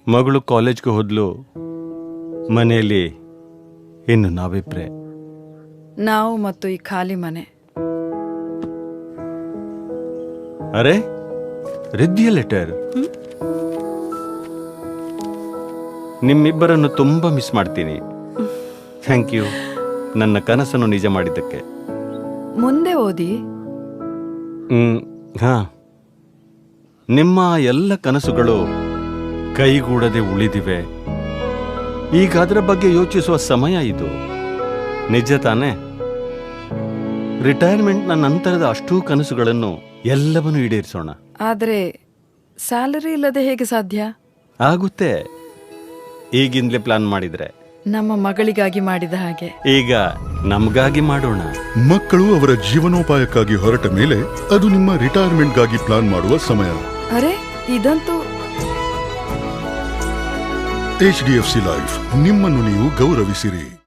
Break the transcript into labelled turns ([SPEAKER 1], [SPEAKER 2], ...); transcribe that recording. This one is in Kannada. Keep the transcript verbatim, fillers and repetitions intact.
[SPEAKER 1] ಮಗಳು ಕಾಲೇಜ್ಗೆ ಹೋದ್ಲು. ಮನೆಯಲ್ಲಿ ಇನ್ನು ನಾವಿಬ್ರೆ.
[SPEAKER 2] ನಾವು ಮತ್ತು ಈ ಖಾಲಿ ಮನೆ.
[SPEAKER 1] ಅರೆ ರಿದ್ದಿಯ ಲೆಟರ್. ನಿಮ್ಮಿಬ್ಬರನ್ನು ತುಂಬಾ ಮಿಸ್ ಮಾಡ್ತೀನಿ. ಥ್ಯಾಂಕ್ ಯು ನನ್ನ ಕನಸನ್ನು ನಿಜ ಮಾಡಿದ್ದಕ್ಕೆ.
[SPEAKER 2] ಮುಂದೆ ಓದಿ.
[SPEAKER 1] ಹ್ಮ್ ಹಾ ನಿಮ್ಮ ಎಲ್ಲ ಕನಸುಗಳು ಕೈಗೂಡದೆ ಉಳಿದಿವೆ. ಈಗ ಅದರ ಬಗ್ಗೆ ಯೋಚಿಸುವ ಸಮಯ ಇದು. ನಿಜ ತಾನೆ? ರಿಟೈರ್ಮೆಂಟ್ನ ನಂತರದ ಅಷ್ಟೂ ಕನಸುಗಳನ್ನು ಎಲ್ಲವನ್ನೂ ಈಡೇರಿಸೋಣ.
[SPEAKER 2] ಆದ್ರೆ ಸ್ಯಾಲರಿ ಇಲ್ಲದೆ ಹೇಗೆ ಸಾಧ್ಯ?
[SPEAKER 1] ಆಗುತ್ತೆ, ಈಗಿಂದಲೇ ಪ್ಲಾನ್ ಮಾಡಿದ್ರೆ.
[SPEAKER 2] ನಮ್ಮ ಮಗಳಿಗಾಗಿ ಮಾಡಿದ ಹಾಗೆ
[SPEAKER 1] ಈಗ ನಮಗಾಗಿ ಮಾಡೋಣ.
[SPEAKER 3] ಮಕ್ಕಳು ಅವರ ಜೀವನೋಪಾಯಕ್ಕಾಗಿ ಹೊರಟ ಮೇಲೆ ಅದು ನಿಮ್ಮ ರಿಟೈರ್ಮೆಂಟ್ಗಾಗಿ ಪ್ಲಾನ್ ಮಾಡುವ ಸಮಯ.
[SPEAKER 2] ಅರೆ ಇದಂತೂ
[SPEAKER 3] H D F C life, ನಿಮ್ಮನ್ನು ನೀವು ಗೌರವಿಸಿರಿ.